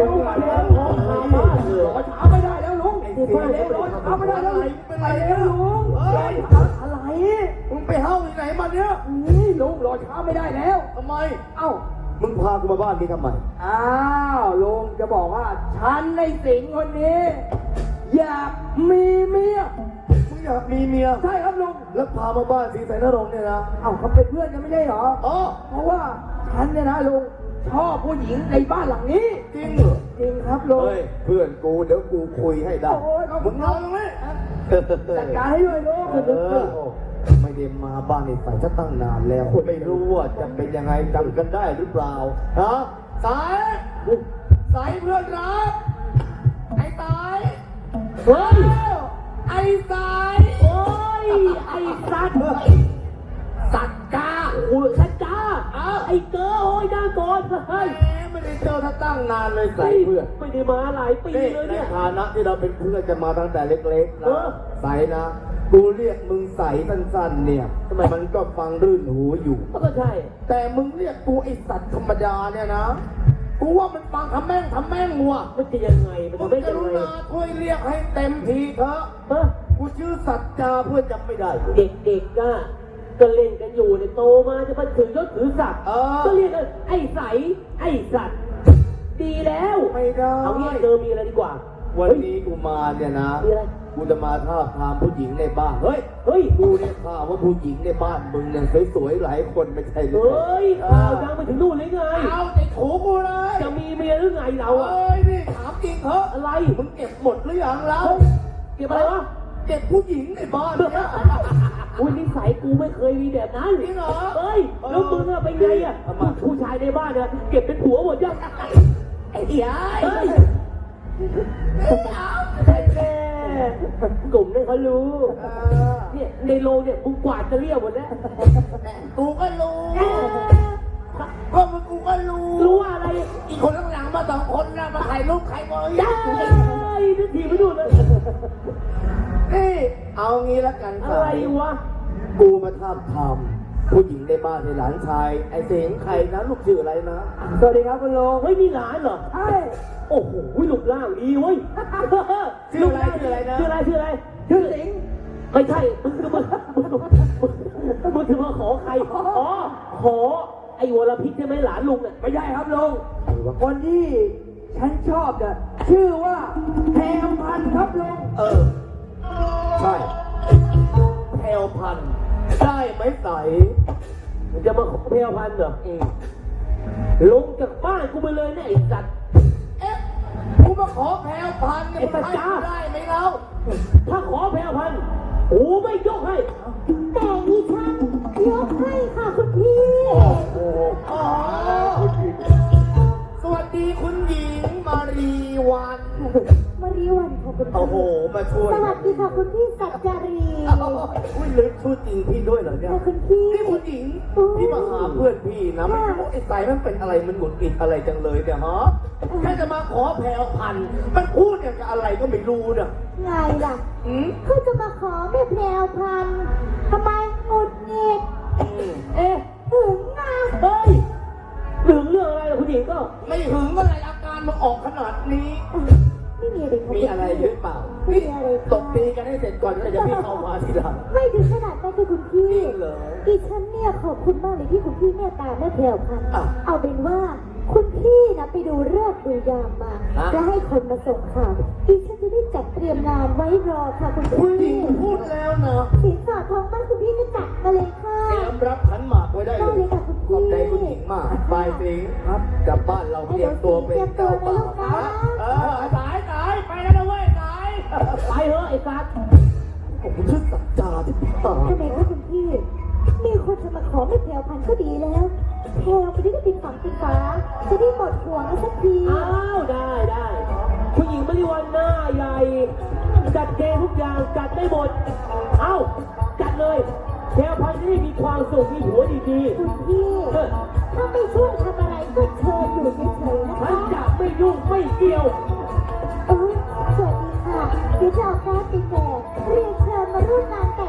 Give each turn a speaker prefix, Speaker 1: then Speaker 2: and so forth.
Speaker 1: ร็วมาเร็วรอช้าไม่ได้แล้วลุงไอ้ที่มาเร็วรอช้าไม่ได้แล้วเป็นไรเนี่ยลุงอะไรมึงไปเฮ้าที่ไหนมาเนี่ยนี่ลุงรอช้าไม่ได้แล้วทำไมเอ้า
Speaker 2: มึงพากูมาบ้านนี้ทำไม
Speaker 1: อ้าวลุงจะบอกว่าฉันในสิงห์คนนี้อยากมีเมีย
Speaker 2: มึงอยากมีเมีย
Speaker 1: ใช่ครับลุง
Speaker 2: แล้วพามาบ้านศรีสายนรงค์เนี่ยนะ
Speaker 1: เอ้าเขาเป็นเพื่อนกันไม่ใช่เหรอ
Speaker 2: อ๋อ
Speaker 1: เพราะว่าฉันเนี่ยนะลุงชอบผู้หญิงในบ้านหลังนี้
Speaker 2: จริงเหรอ
Speaker 1: จริงครับลุง
Speaker 2: เฮ้ยเพื่อนกูเดี๋ยวกูคุยให้ได้มึงนอนตรงนี้
Speaker 1: จัดการให้ด้วยลุง
Speaker 2: ไม่ได้มาบ้านในสายจะตั้งนานแล้วไม่รู้ว่าจะเป็นยังไงจำกันได้หรือเปล่าฮะสายเพื่อนรักไอ้สาย
Speaker 1: เฮ้ย
Speaker 2: ไอ้สาย
Speaker 1: โอ้ยไอ้สัตว์กาโอ้ยสัตว์กาไอ้เกอโอ้ยน่าก่อนเฮ้ย
Speaker 2: ไม่ได้เจอถ้าตั้งนานเลยสายเพื่อน
Speaker 1: ไม่ได้มาหลายปีเลยเนี่ย
Speaker 2: ในฐานะที่เราเป็นเพื่อนจะมาตั้งแต่เล็กๆนะสายนะกูเรียกมึงใสสั้นๆเนี่ยทำไมมันก็ฟังรื่นหูอยู่
Speaker 1: ก็ใช่
Speaker 2: แต่มึงเรียกกูไอสัตว์ธรรมดาเนี่ยนะกูว่ามันฟังทำแม่งมัว
Speaker 1: มันจะยังไงมันจะได้ยังไง
Speaker 2: ช่วยเรียกให้เต็มทีเถอะกูชื่อสัจจาเพื่อนจำไม่ได้
Speaker 1: เด็กๆก็เล่นกันอยู่ในโตมาจะมาถือยศถือศักดิ์ก็เรียกไอ้ใสไอ้สัตว์ดีแล้ว
Speaker 2: ไม่ได้
Speaker 1: เอางี้เจอมีอะไรดีกว่า
Speaker 2: วันนี้กูมาเนี่ยนะกูจะมาท้าทามผู้หญิงในบ้านเฮ้ยกูเนี่ยข่าวว่าผู้หญิงในบ้านมึงเนี่ยสวยๆหลายคนไม่ใช่หรือ
Speaker 1: ข่าวดังไปถึงนู่นเลยไง
Speaker 2: เอาในถูกูเลย
Speaker 1: จะมีเมียหรือไงเรา
Speaker 2: นี่ถามจริงเถอะ
Speaker 1: อะไร
Speaker 2: มึงเก็บหมดหรือยังเรา
Speaker 1: เก็บอะไรวะ
Speaker 2: เก็บผู้หญิงในบ้านเนี่ย
Speaker 1: อุ้ยนิสัยกูไม่เคยมีแบบนั้น
Speaker 2: จริงเหรอ
Speaker 1: แล้วมึงอะเป็นไงอะผู้ชายในบ้านเนี่ยเก็บเป็นผัวหมดยัง
Speaker 2: ไอ้เหี้ย
Speaker 1: กลุ่มนี่เขารู้เนี่ยในโรงเนี่ยมึงกวาดจะเรียบหมดแล้ว
Speaker 2: กูก็รู้ก็มึงกูก็
Speaker 1: รู้อะไร
Speaker 2: อีกคนข้างหลังมา2 คนนะมาถ่ายรูปใครมา
Speaker 1: ได้นึกทีไม่ดูเลย
Speaker 2: นี่เอางี้ละกัน
Speaker 1: อะไรวะ
Speaker 2: กูมาทำผู้หญิงในบ้านในหลานชายไอ้เสียงใครนะลูกชื่ออะไรนะ
Speaker 1: สวัสดีครับคุณลุงเฮ้ยมีหลานเหรอใช่โอ้โหลูกร่างดีเว้ย
Speaker 2: ชื่ออะไรนะ
Speaker 1: ชื่อสิงไม่ใช่มึงถึงมาขอใครขอไอ้วรพิษใช่ไหมหลานลุงเนี่ยไม่ใช่ครับลุงคนที่ฉันชอบเนี่ยชื่อว่าแพรวพันธุ์ครับลุง
Speaker 2: ใช่แพรวพันธุ์ได้ไหมใส
Speaker 1: มันจะมาขอแพรวพันธุ์เหรอลงจากบ้านกูไปเลยเนี่ยไอ้สัตว์
Speaker 2: กูมาขอแพรวพันธุ์เนี่ยมันให้ได้ไหมเรา
Speaker 1: ถ้าขอแพรวพันธุ์กูไม่ยกให้
Speaker 3: แต่ดิฉันยกให้ค่ะคุณพี่
Speaker 2: สวัสดีคุณหญิงมารีวัน
Speaker 3: ค่ะคุณพี่
Speaker 2: โอ้โหมาช่วย
Speaker 3: สวัสดีค่ะคุณพี่สัจจารี
Speaker 2: อุ้ยลึกชื่อจริงพี่ด้วยเหรอเนี่ย
Speaker 3: คุณพี่
Speaker 2: นี่คุณหญิงพี่มาหาเพื่อนพี่นะไม่รู้ไอ้สายมันเป็นอะไรมันหงุดหงิดอะไรจังเลยเนี่ยฮะแค่จะมาขอแพรวพันธุ์มันพูดอย่างกับอะไรก็ไม่รู้เนี่ย
Speaker 3: ไงล่ะเขาจะมาขอแม่แพรวพันธุ์ทำไมหงุดหงิดหึงนะ
Speaker 1: เฮ้ยหึงเรื่องอะไรคุณหญิงก็
Speaker 2: ไม่หึงอะไรอาการมันออกขนาดนี้มีอะไรหรือเปล่าตบตีกันให้เสร็จก่อนแล้วจะพี่เข้ามาทีหลัง
Speaker 3: ไม่ถึงขนาดนั้นเลยคุณพี่ดิฉันเนี่ยขอบคุณมากเลยที่คุณพี่เมตตาแม่แพรวพันธุ์เอาเป็นว่าคุณพี่นะไปดูฤกษ์ดูยามมาและให้คนมาส่งข่าวดิฉันจะได้จัดเตรียมงานไว้รอค่ะคุณพี่
Speaker 2: พูดแล้วนะ
Speaker 3: สินสอดทองบ้านคุณพี่จะจัดมาเลยค่ะ
Speaker 2: เตรียมรับขันหมากไว้ได้เลย
Speaker 3: ค่ะคุณพี่
Speaker 2: ขอบใจคุณหญิงมากไปสิครับกลับบ้านเราเตรียมตัวเป็นเจ้าบ่าวสายไปแล้วนะเว้ยสาย
Speaker 1: ไปเถอะไอ้สัตว์
Speaker 2: ผมชื่อสัจจาที่พี่ตา
Speaker 3: ทำไมคะคุณพี่มีคนจะมาขอแม่แพรวพันธุ์ก็ดีแล้วแพรวไปได้ติดฝังติดฟ้าจะได้หมดห่วงสักที
Speaker 1: ได้ผู้หญิงไม่ได้วันหน้าใหญ่จัดเกมทุกอย่างจัดได้หมดจัดเลยแพรวพันธุ์จะได้มีความสุขมีหัวดี
Speaker 3: ๆคุณพี่ถ้าไม่ช่วยทำอะไรก็เชิญอยู่เฉยๆนะคะ
Speaker 1: ฉันจะไม่ยุ่งไม่เกี่ยว
Speaker 3: สวัสดีค่ะเดี๋ยวจะเอาการ์ดไปแจกเรียนเชิญมาร่วมงาน